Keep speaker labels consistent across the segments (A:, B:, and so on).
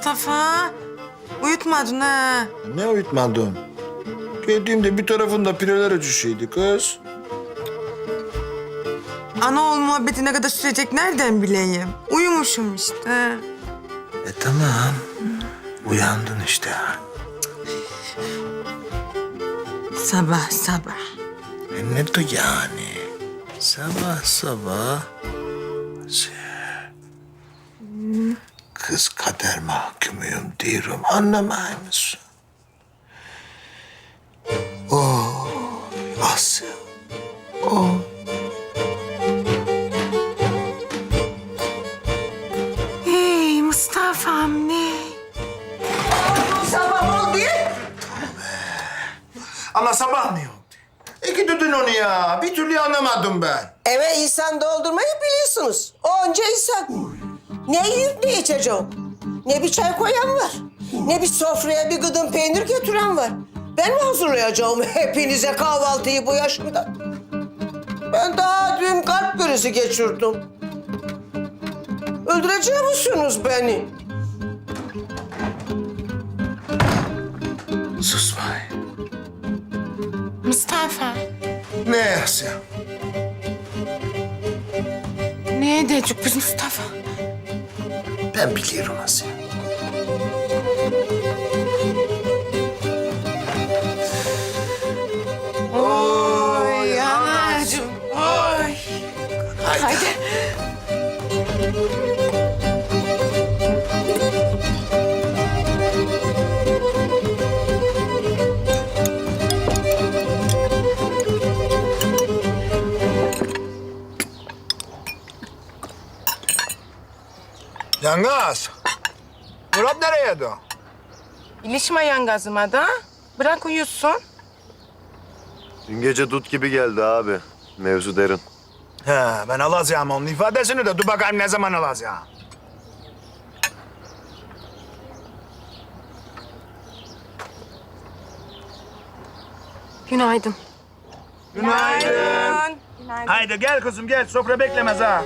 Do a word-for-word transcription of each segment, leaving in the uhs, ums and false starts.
A: Mustafa. Uyutmadın ha.
B: Ne uyutmadın? Geldiğimde bir tarafında pireler öcüşüydü kız.
A: Ana oğul muhabbeti ne kadar sürecek nereden bileyim? Uyumuşum işte.
B: E tamam. Uyandın işte.
A: Sabah sabah.
B: E ne de yani? Sabah sabah. Şey, kız kader mahkumuyum diyorum. Anlamay mısın? Oh, Asya. Oh.
A: Hey Mustafa'm ne?
B: Sabah oldu. Ama sabah mı oldu? İki düdün onu ya. Bir türlü anlamadım ben.
C: Eve insan doldurmayı biliyorsunuz. Onca insan. Ne yiyip ne içeceğim? Ne bir çay koyan var. Ne bir sofraya bir gıdım peynir götüren var. Ben mi hazırlayacağım hepinize kahvaltıyı bu yaşımda? Ben daha dün kalp krizi geçirdim. Öldürecek misiniz beni?
B: Susmayın.
A: Mustafa.
B: Ne Asya?
A: Ne edecek biz Mustafa?
B: Ben biliyorum Asya.
A: Oy anacığım, oy. Haydi.
B: Yangaz. Murat nereye do?
A: İlişme yangazıma da. Bırak uyusun.
D: Dün gece dut gibi geldi abi. Mevzu derin.
B: He, ben alacağım onun ifadesini de. Dur bakayım ne zaman alacağım.
E: Günaydın.
B: Günaydın. Haydi gel kızım gel. Sofra beklemez ha.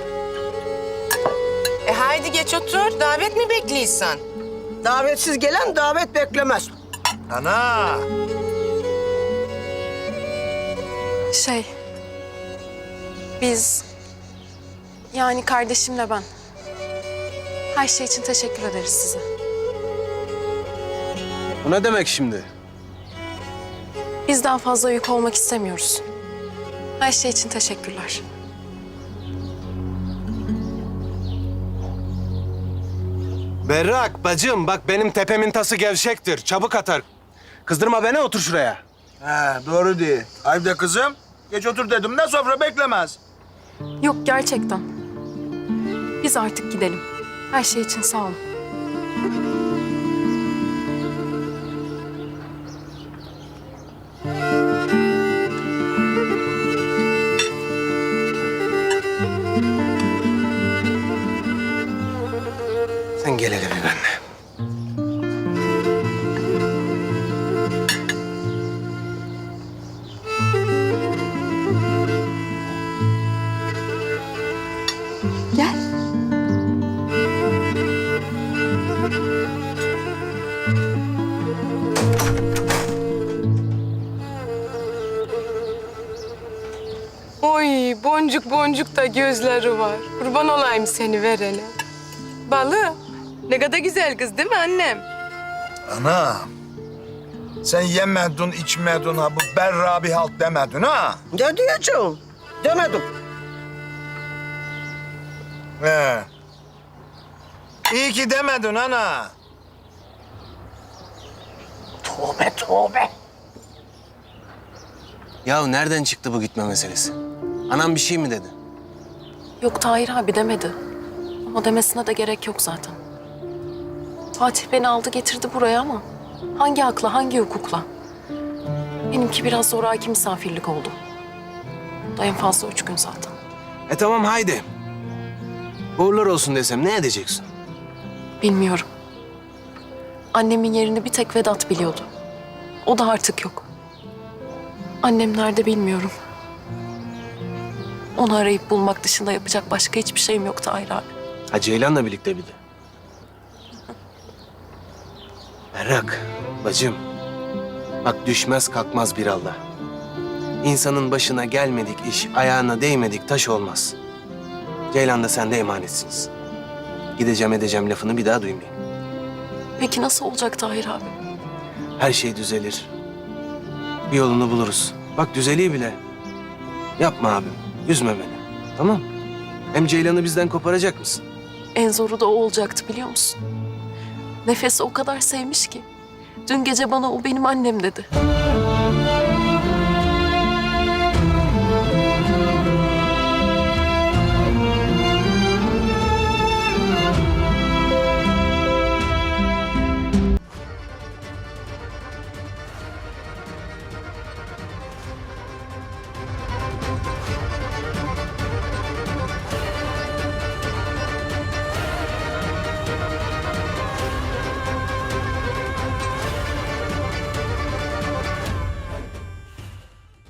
A: E haydi geç otur. Davet mi bekliyorsun?
C: Davetsiz gelen davet beklemez.
B: Ana.
E: Şey... Biz... Yani kardeşimle ben... Her şey için teşekkür ederiz size.
F: Bu ne demek şimdi?
E: Biz daha fazla yük olmak istemiyoruz. Her şey için teşekkürler.
F: Berrak bacım bak benim tepemin tası gevşektir. Çabuk atar. Kızdırma beni, otur şuraya.
B: He, doğru değil. Haydi kızım. Geç otur dedim. Ne sofra beklemez.
E: Yok gerçekten. Biz artık gidelim. Her şey için sağ olun.
F: Sen gel hele bir benimle.
E: Gel.
A: Oy boncuk boncuk da gözleri var. Kurban olayım seni verene. Balı. Ne kadar güzel kız değil mi annem?
B: Ana. Sen yemedin, içmedin ha. Bu berra bir halt demedin ha.
C: Ne diyeceğim? Demedim.
B: He. İyi ki demedin ana.
C: Tövbe tövbe.
F: Ya nereden çıktı bu gitme meselesi? Anam bir şey mi dedi?
E: Yok Tahir abi demedi. Ama demesine de gerek yok zaten. Fatih beni aldı getirdi buraya ama... Hangi akla, hangi hukukla? Benimki biraz zoraki misafirlik oldu. Da en fazla üç gün zaten.
F: E tamam haydi. Uğurlar olsun desem ne edeceksin?
E: Bilmiyorum. Annemin yerini bir tek Vedat biliyordu. O da artık yok. Annem nerede bilmiyorum. Onu arayıp bulmak dışında yapacak başka hiçbir şeyim yok Tahir abi.
F: Ha Ceylan'la birlikte bir de. Berrak, bacım. Bak düşmez kalkmaz bir Allah. İnsanın başına gelmedik iş, ayağına değmedik taş olmaz. Ceylan da sen de emanetsiniz. Gideceğim edeceğim lafını bir daha duymayayım.
E: Peki nasıl olacak Tahir abi?
F: Her şey düzelir. Bir yolunu buluruz. Bak düzeliyor bile. Yapma abim, üzme beni. Tamam? Hem Ceylan'ı bizden koparacak mısın?
E: En zoru da o olacaktı biliyor musun? Nefes'i o kadar sevmiş ki. Dün gece bana o benim annem dedi.